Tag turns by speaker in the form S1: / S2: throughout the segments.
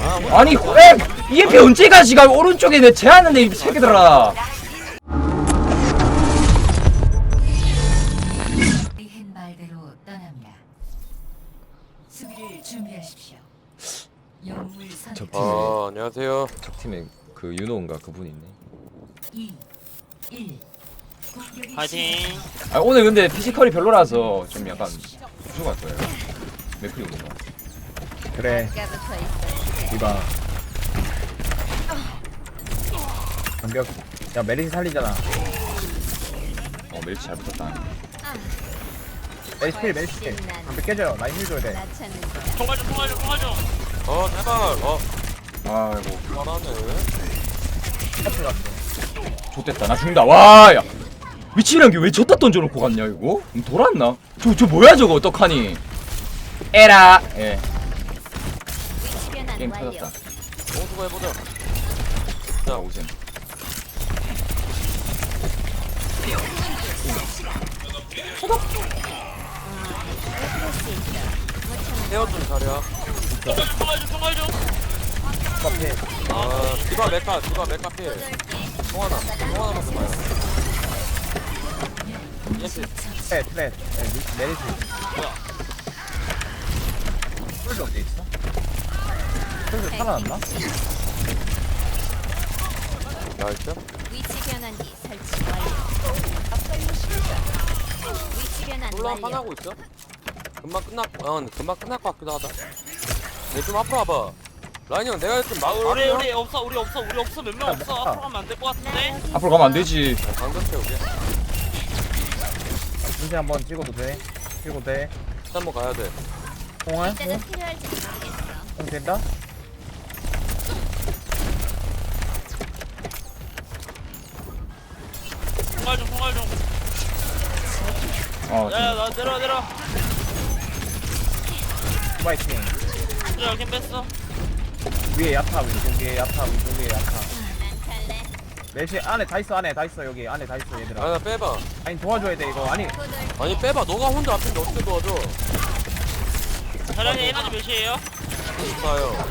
S1: 아니 왜 EMP 언제 가지가 오른쪽에 내 제하는데 이 새끼들아.
S2: 한 말대로 떠납니다. 수비를 준비하십시오. 영웅을 선택.
S3: 안녕하세요.
S1: 적팀에 그 윤호인가 그분 있네.
S2: 2, 1. 공격이
S4: 파이팅.
S1: 아 오늘 근데 피지컬이 별로라서 좀 약간 부족할 거예요. 맥클이 오는 거.
S5: 그래 이봐 반격 야 메리시 살리잖아
S1: 멜치 잘 붙었다.
S5: 메리시 필 메리시 필 반격 깨져요 라인 힐 줘야 돼
S4: 통화 좀.
S3: 제발.
S1: 아이고
S3: 잘하네.
S5: 커플 갔어
S1: 좋됐다. 나 죽는다. 와 야. 미치란 게 왜 저따 던져놓고 갔냐 이거? 돌았나? 저 뭐야 저거 어떡하니? 에라. 예. 게임 터졌다.
S3: 공수고 해보자.
S1: 자 오셈.
S3: 헤어좀 잘해야.
S4: 통화 좀.
S5: 커플
S3: 디바 메카 필. 통하나 먹고 봐요. 예스.
S5: 트레 메리시 풀도 어디 있어? 풀도 살아났나?
S3: 나이스.
S6: 위치 변환기 설치 완료. 앞걸로 시작. 위치 변환
S3: 솔로
S6: 완료.
S3: 한판 하고 있어? 금방 끝날 것 같기도 하다. 좀 앞으로 와봐. 라인 형 내가 좀
S4: 우리 없어 몇 명 없어. 앞으로 가면 안 될 것 같은데.
S1: 앞으로 가면 안 되지.
S3: 방금 채우게.
S5: 문제 한번 찍어도 돼? 찍어도 돼?
S3: 한번 가야 돼.
S5: 공할?
S6: 이때가 필요할지 모르겠어.
S5: 공 된다?
S4: 통화 좀. 야야 나 내려.
S5: 파이팅
S4: 그래 캠 뺐어.
S5: 위에 야타 왼쪽 위에 야타 왼쪽 위에 야타
S6: 난 탈래.
S5: 메시 안에 다 있어 여기 안에 다 있어 얘들아
S3: 나 빼봐.
S5: 아니 도와줘야 돼 이거 아니
S3: 아니 빼봐. 너가 혼자 앞인데 어떻게 도와줘?
S4: 자량의 에너지 몇이에요?
S3: 좋아요.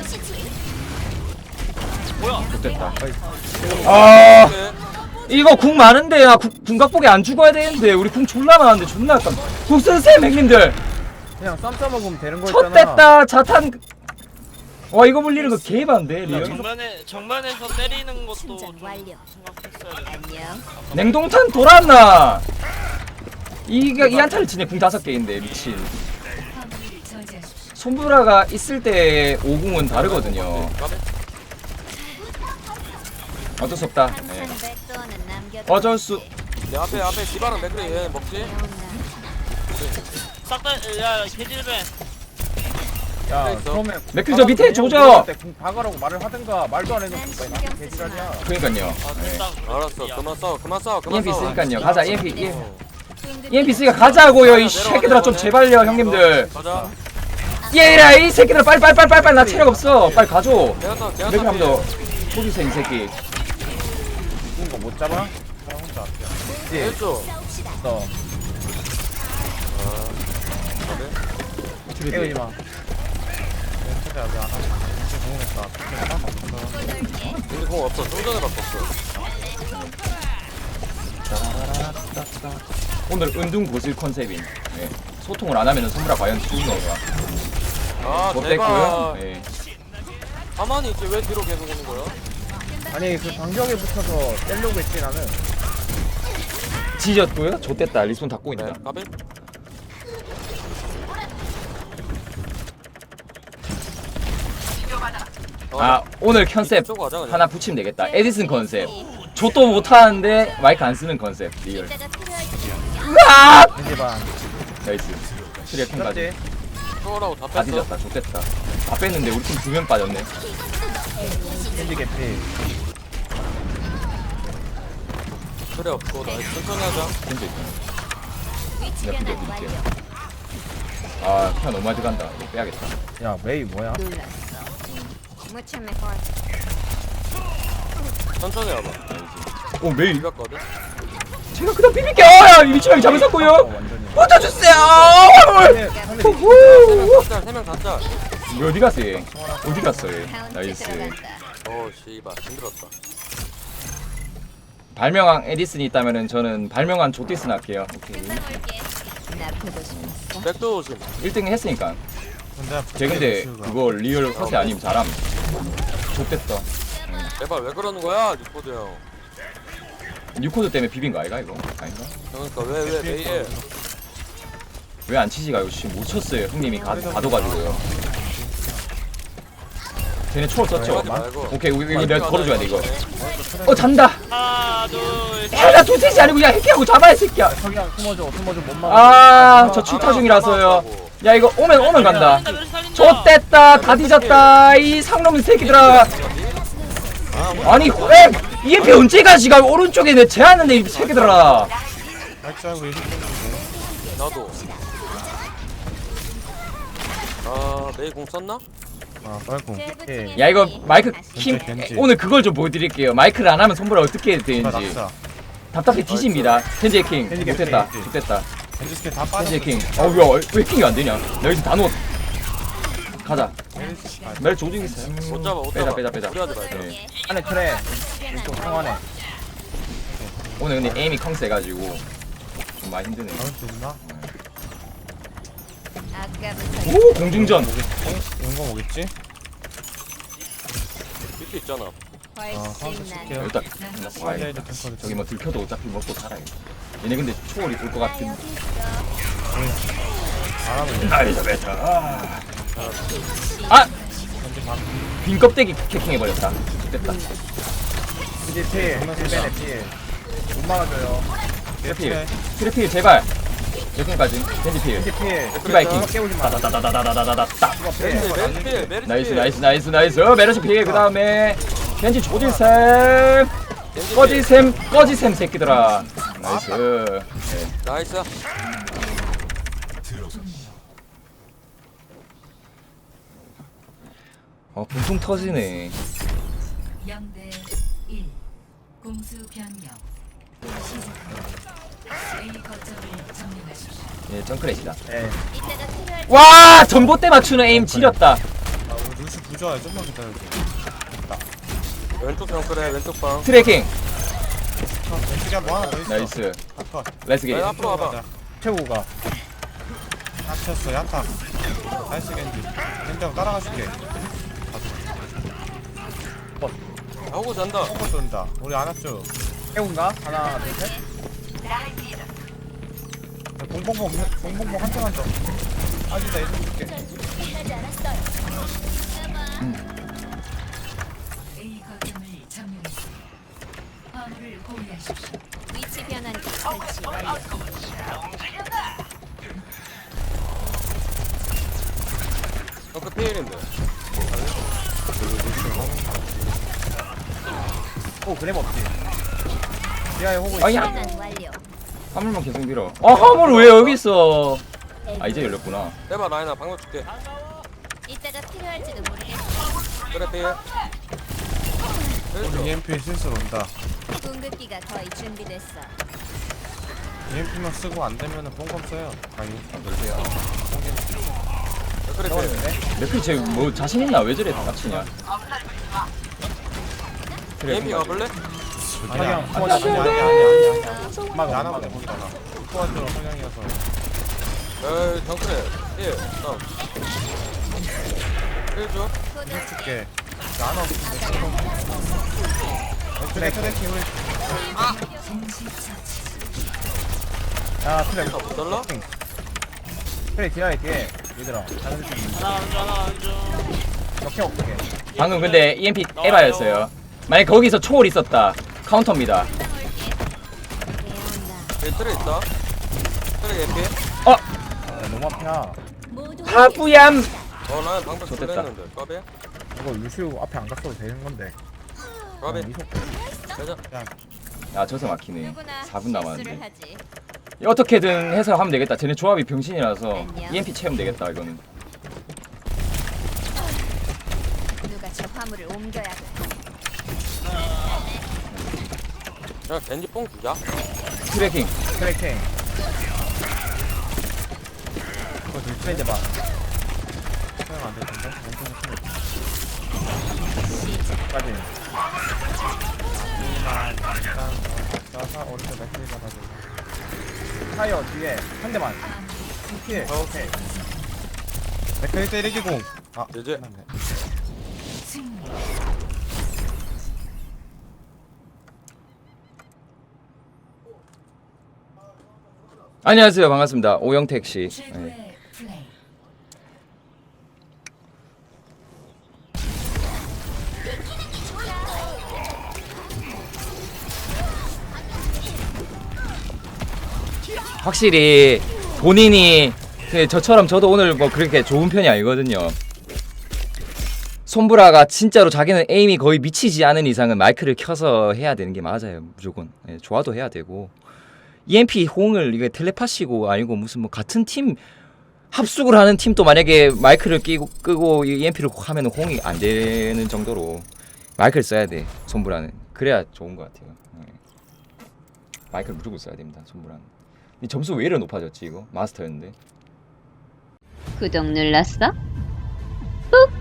S4: 뭐야?
S1: 좋됐다. 아 이거 궁 많은데 야 궁각복에 안 죽어야 되는데 우리 궁 졸라 많은데 존나 약간 궁 쓰세요 형님들.
S5: 그냥 쌈 싸먹으면 되는 거 있잖아
S1: 쳤댔다 자탄. 와 이거 물리는 거 개반데 리얼.
S4: 정면에서 때리는 것도
S6: 충전
S4: 좀
S6: 완료.
S4: 생각했어야 돼.
S6: 안녕.
S1: 냉동탄 돌았나? 이 한타를 치네. 궁 5개인데 미친.
S2: 화물을 저지하십시오.
S1: 손브라가 있을 때 오궁은 다르거든요. 어쩔 수 없다. 예.
S6: 항상 백도어는 남겨둬.
S1: 어쩔 수.
S3: 내 앞에 디바랑 맥크리 얘 먹지?
S4: 싹다야 개질벤.
S5: 야
S3: 있어.
S5: 처음에
S1: 맥클 저 밑에 조져.
S5: 공 박으라고 말을 하든가 말도 안 해놓고
S6: 난
S5: 왜
S6: 신경
S5: 나한테
S6: 쓰지
S5: 개지랄이야
S1: 그러니까요.
S4: 아
S1: 예.
S4: 됐다.
S3: 알았어. 그만 싸워.
S1: EMP 있으니까요. 가자. EMP.
S3: 어.
S1: EMP 있으니까 가자고요. 이 새끼들아 좀 제발요 형님들.
S3: 가자.
S1: 얘라 이 새끼들 빨리 나 체력 없어. 빨리 가줘.
S3: 제가
S1: 맥클 한번 보기세 이 새끼.
S5: 이거 못 잡아? 나 혼자 예
S3: 했죠.
S5: 너 깨우지 마 진짜 여기 안 하고 공했다
S3: 우리 공 없어. 좀 전에 바꿨어.
S1: 오늘 은둔 고슬 컨셉인. 예. 소통을 안 하면은 손브라 과연 죽는 건가? 못 됐고요.
S3: 제발.
S1: 예.
S3: 가만히 있지. 왜 뒤로 계속 오는 거야?
S5: 아니 그 방벽에 붙어서 떼려고 했지 나는
S1: 지졌고요. 좆됐다. 리스폰 닫고
S3: 네.
S1: 있다.
S3: 까비?
S1: 아 오늘 컨셉
S3: 이쪽으로 가자, 그냥.
S1: 하나 붙이면 되겠다. 에디슨 컨셉. 좆도 못하는데 마이크 안 쓰는 컨셉. 리얼.
S6: 이때가 필요할지
S1: 아!
S5: 겐지 반
S1: 나이스. 트리어 캔까지.
S5: 그렇지
S3: 초월하고 다
S1: 다
S3: 뺐어.
S1: 뒤졌다. 좆됐다. 다 뺐는데 우리 팀 2명 빠졌네.
S5: 겐지 개피
S3: 그래 없고 나 천천히 하자.
S1: 캔도 있다.
S6: 위치
S1: 내가
S6: 변환
S1: 비벼
S6: 완료.
S1: 드릴게요. 아 피가 너무 많이 들어간다. 이거 빼야겠다.
S5: 야 메이 뭐야?
S6: 놀랐어. 무쳐 mejor.
S3: 천천히 와봐.
S1: 오 메이.
S3: 비볐거든.
S1: 제가 그냥 비빌게요. 야 미치방이 잘못했고요.
S5: 완전히
S1: 붙여주세요.
S5: 상대
S1: 후후.
S3: 짤, 3명 다 짤.
S1: 뭐 어디 갔어 얘? 어디 갔어 얘?
S6: 카운트
S1: 나이스.
S6: 들어간다.
S3: 씨발 힘들었다.
S1: 발명왕 에디슨이 있다면은 저는 발명왕 조티슨 할게요. 오케이.
S6: 금방 올게. 나 보고 싶었어.
S3: 백도 조심.
S1: 1등 했으니까.
S7: 근데
S1: 쟤 근데 그거 리얼 컷이 아니면 잘함. 좆됐다.
S3: 제발 왜 그러는 거야 뉴포드 형.
S1: 뉴코드 때문에 비빈 거 아이가 이거? 아닌가?
S3: 그러니까 왜 이래?
S1: 왜 안 치지가 이거 지금 못 쳤어요. 형님이 가둬가지고요. 쟤네 초월 썼죠?
S3: 하지 말고.
S1: 오케이 이거 내가 걸어줘야 돼 이거. 잔다.
S4: 하나 둘
S1: 나 도대체 아니고 그냥 해킹하고 잡아야 새끼야.
S5: 석양 숨어줘 못 막아.
S1: 저 출타 중이라서요. 야 이거 오면 간다.
S4: 살린다.
S1: 좆됐다. 다 뒤졌다. 이 상놈 새끼들아. 아니 왜 EMP 언제 가지가 오른쪽에 내 제하는데 이 새끼들아.
S7: 발자국 이렇게
S3: 나도. 메이 공 썼나?
S7: 빨공.
S1: 야 이거 마이크 힘
S7: 겐지.
S1: 오늘 그걸 좀 보여드릴게요. 마이크를 안 하면 손보라 어떻게 되는지
S7: 낙사.
S1: 답답해 뒤집니다. 겐지 해킹
S5: 겐지
S1: 못했다.
S5: 해킹.
S1: 못했다.
S7: 겐지 스킬 다 빠졌어.
S1: 겐지 해킹. 어왜 해킹이 안 되냐? 나 여기서 다 넣었. 가자. 멜 조직 있어.
S3: 못 잡아 못 잡아.
S1: 빼자.
S3: 무리하지 말자.
S1: 네.
S5: 안에 트레 이쪽 상안에.
S1: 오늘 근데 에임이 컹 세가지고 좀 많이 힘드네.
S7: 잡을 수 있나?
S6: 아까부터
S1: 오 공중전.
S7: 용공 오겠지?
S3: 밑에 있잖아.
S7: 카운터
S6: 훨씬
S7: 칠게요.
S6: 난.
S1: 일단
S7: 사이드
S1: 와이.
S7: 탱커를
S1: 저기 뭐 들켜도 어차피 먹고 살아요. 얘네 근데 초월이 올 것
S6: 나
S1: 같은.
S6: 여기 있어.
S7: 바람을
S1: 나이스 베타. 아! 빈 껍데기 캐킹 해버렸다. 됐다.
S5: 이제 필 필. 못 막아줘요.
S1: 트래필. 트래필 제발. 여기까지. 겐지필.
S5: 이제 필.
S1: 디바이킹.
S5: 깨우지 마.
S1: 따다다다다다다다.
S5: 이거 필.
S3: 메리트.
S1: 나이스. 메르시 필. 그 다음에 겐지 조지샘. 꺼지샘 새끼들아. 나이스. 네.
S3: 나이스.
S1: 붕붕 터지네.
S2: 0대 1 공수 변경 시작합니다. A 거점을 점령하십시오.
S1: 예, 정크렛이다.
S5: 예.
S6: 이따가 필요할
S1: 와! 전봇대 맞추는 에임 지렸다.
S7: 우리 루시 부조화야. 좀만 기다려줘.
S3: 왼쪽 형 그래 왼쪽 방.
S1: 트래킹.
S7: 왼쪽에 뭐 하나 더 있어.
S1: 나이스.
S7: 핫컷.
S1: 렛츠 기.
S3: 야, 앞으로 와봐.
S5: 최고가.
S7: 핫쳤어. 야타. 나이스 겐지. 겐지하고 따라가줄게.
S3: 하고 잔다.
S7: 똥꼬 쏜다. 우리 안 왔죠?
S5: 최고인가? 하나 둘 셋. 봉봉봉 한점 아주 나 이름 줄게.
S6: 하지 않았어요.
S2: A 거점을 점령했습니다. 화물을 보유하십시오.
S6: 위치 변환기 설치 완료.
S3: 그 피해인데.
S5: 오 그램 없지. 지하에 호구
S1: 아야.
S6: 변환 완료.
S1: 화물만 계속 밀어. 화물 왜 여기 있어? 아 이제 열렸구나.
S3: 해봐 라인아 방금 줄게.
S6: 이따가 필요할지도 모르겠어.
S3: 그래 피해.
S7: 우리 EMP 실수로 온다.
S6: 궁극기가 거의 준비됐어.
S7: EMP만 쓰고 안 되면은 뽕검 써요. 아니.
S3: 그래 피해.
S1: 레피 쟤뭐 자신 있나? 왜 저래 닥치냐? 그래.
S3: EMP 가볼래?
S5: 석양
S7: 아니.
S5: 막아
S7: 나나 보네 본다나. 토한테로 성향이어서.
S3: 에이 정크래. 피해. 다운. 피해 줘.
S7: 이거 줄게. 나나 없는데. 왼쪽에 트래킹 우리
S5: 야 트레
S3: 못 달라?
S5: 트레 지하에 뒤에 얘들아 다른 쪽
S4: 하나 앉아.
S5: 역행 없게.
S1: 방금 근데 EMP 에바였어요. 만약 거기서 초월 있었다. 카운터입니다.
S3: 얘 틀에 있다. 틀에 EMP.
S1: 어,
S5: 아, 너무 앞이야.
S6: 모두
S1: 하부얌.
S3: 라인 방금
S1: 좋댔다.
S3: 줄랬는데. 까비?
S5: 이거 루시우 앞에 안 갔어도 되는 건데.
S3: 까비?
S5: 이속
S3: 가자.
S1: 아 저서 막히네.
S6: 누구나
S1: 4분
S6: 실수를
S1: 남았는데.
S6: 하지.
S1: 어떻게든 해서 하면 되겠다. 쟤네 조합이 병신이라서
S6: 안녕.
S1: EMP 채우면 되겠다 이거는.
S6: 누가 저 화물을 옮겨야 돼.
S3: 야 겐지 뽕 주자.
S1: 트래킹.
S5: 트레킹. 이거 둘 트레 봐.
S7: 소용 안될 텐데.
S5: 까지.
S7: 하지만 일단 쏴서 오른쪽 맥힐 잡아주고.
S5: 타이어 뒤에 한 대만. 피해. 오케이.
S7: 맥힐 때리기 공. 아,
S3: 이제.
S7: 끝났네.
S2: 승리.
S1: 안녕하세요. 반갑습니다. 오영택 씨. 네.
S2: 최고의 플레이.
S1: 확실히 본인이 저처럼 저도 오늘 뭐 그렇게 좋은 편이 아니거든요. 손브라가 진짜로 자기는 에임이 거의 미치지 않은 이상은 마이크를 켜서 해야 되는 게 맞아요. 무조건. 예, 좋아도 해야 되고. EMP 호응을 이게 텔레파시고 아니고 무슨 뭐 같은 팀 합숙을 하는 팀도 만약에 마이크를 끄고 EMP를 하면 호응이 안 되는 정도로 마이크를 써야 돼. 손브라는. 그래야 좋은 것 같아요. 예. 마이크를 무조건 써야 됩니다. 손브라는. 이 점수 왜 이래 높아졌지 이거? 마스터였는데.
S6: 구독 눌렀어? 꾹.